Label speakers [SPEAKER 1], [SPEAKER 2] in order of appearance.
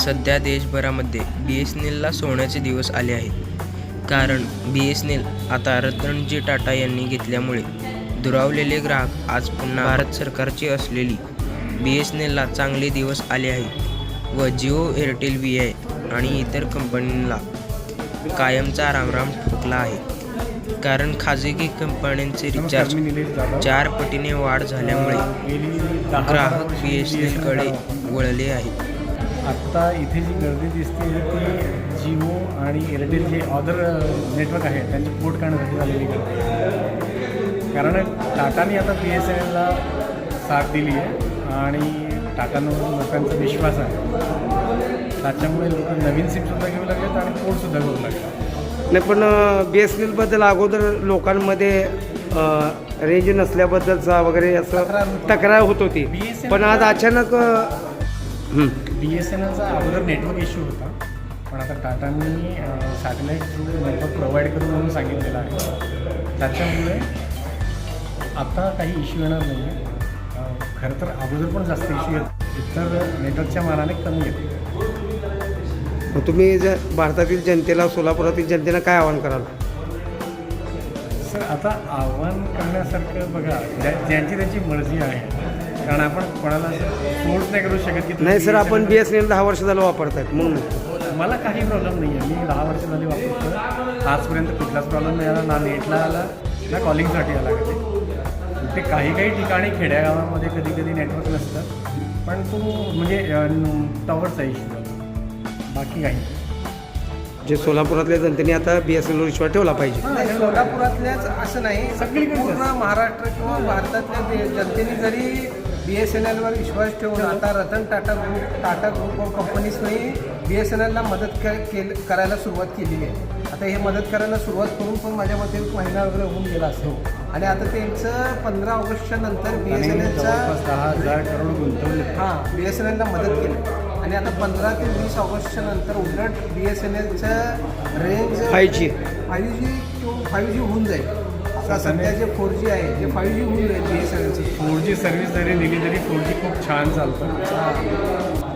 [SPEAKER 1] सध्या देशभरामध्ये BSNLला सोन्याचे दिवस आले आहेत. कारण BSNL आता रतनजी टाटा यांनी घेतल्यामुळे दुरावलेले ग्राहक आज पुन्हा भारत सरकारची असलेली BSNLला चांगले दिवस आले आहेत व जिओ, एअरटेल, VI आणि इतर कंपन्यांना कायमचा रामराम ठोकला आहे. कारण खाजगी कंपन्यांचे रिचार्ज 4 पटीने वाढ झाल्यामुळे ग्राहक BSNLकडे वळले आहेत.
[SPEAKER 2] आत्ता इथे जी गर्दी दिसते ती जिओ आणि एअरटेल जे अदर नेटवर्क आहे त्यांचे पोर्ट करण्यासाठी झालेली गर्दी आहे. कारण टाटाने आता BSNLला साथ दिली आहे आणि टाटांवर लोकांचा विश्वास आहे. त्याच्यामुळे लोक नवीन सिमसुद्धा घेऊ लागलेत आणि पोर्टसुद्धा घेऊ लागले.
[SPEAKER 3] नाही, पण BSNLबद्दल अगोदर लोकांमध्ये रेंज नसल्याबद्दलचा वगैरे असं तक्रार होत होती. पण आज अचानक
[SPEAKER 2] BSNLचा अगोदर नेटवर्क इश्यू होता, पण आता टाटांनी सॅटेलाईट थ्रू नेटवर्क प्रोव्हाइड करू म्हणून सांगितलेलं आहे. त्याच्यामुळे आता काही इश्यू येणार नाही आहे. खरं तर अगोदर पण जास्त इश्यू येत, इतर नेटवर्कच्या मानाने कमी येते.
[SPEAKER 3] तुम्ही जर भारतातील जनतेला, सोलापुरातील जनतेला काय आवाहन कराल?
[SPEAKER 2] सर, आता आव्हान करण्यासारखं बघा, ज्यांची त्यांची मर्जी आहे. कारण आपण कोणाला फोर्स नाही करू शकत की
[SPEAKER 3] नाही सर, आपण BSNL 10 वर्ष झालं वापरत आहेत म्हणून
[SPEAKER 2] मला काही प्रॉब्लेम नाही आहे. मी 10 वर्ष झाली वापरतो. आजपर्यंत कुठलाच प्रॉब्लेम नाही आला, ना नेटला आला ना कॉलिंगसाठी आला. ते काही ठिकाणी खेड्यागावामध्ये कधी नेटवर्क नसतं, पण तो म्हणजे टॉवरचा इश्यू, बाकी काही.
[SPEAKER 3] जे सोलापुरातल्या जनतेने आता BSNLवर विश्वास ठेवला पाहिजे.
[SPEAKER 4] सोलापुरातल्याच असं नाही,
[SPEAKER 2] सगळीकडे
[SPEAKER 4] पूर्ण महाराष्ट्र किंवा भारतातल्या जनतेने जरी BSNLवर विश्वास ठेवून आता रतन टाटा ग्रुप ऑफ कंपनीजने BSNLला मदत करायला सुरुवात केलेली आहे. आता हे मदत करायला सुरुवात करून पण माझ्या मते 1 महिना वगैरे होऊन गेला असतो. आणि आता त्यांचं 15 ऑगस्टच्या नंतर BSNLचा
[SPEAKER 2] 10,000 करोड गुंतवणूक
[SPEAKER 4] BSNLला मदत केली. आणि आता 15 ते 20 ऑगस्टच्या नंतर उलट BSNLचं रेंज
[SPEAKER 3] 5G
[SPEAKER 4] किंवा 5G होऊन जाईल. आता सध्या जे 4G आहे ते 5G होऊन जाईल. BSNLचं
[SPEAKER 2] 4G सर्व्हिस जरी दिली तरी 4G खूप छान चालतं.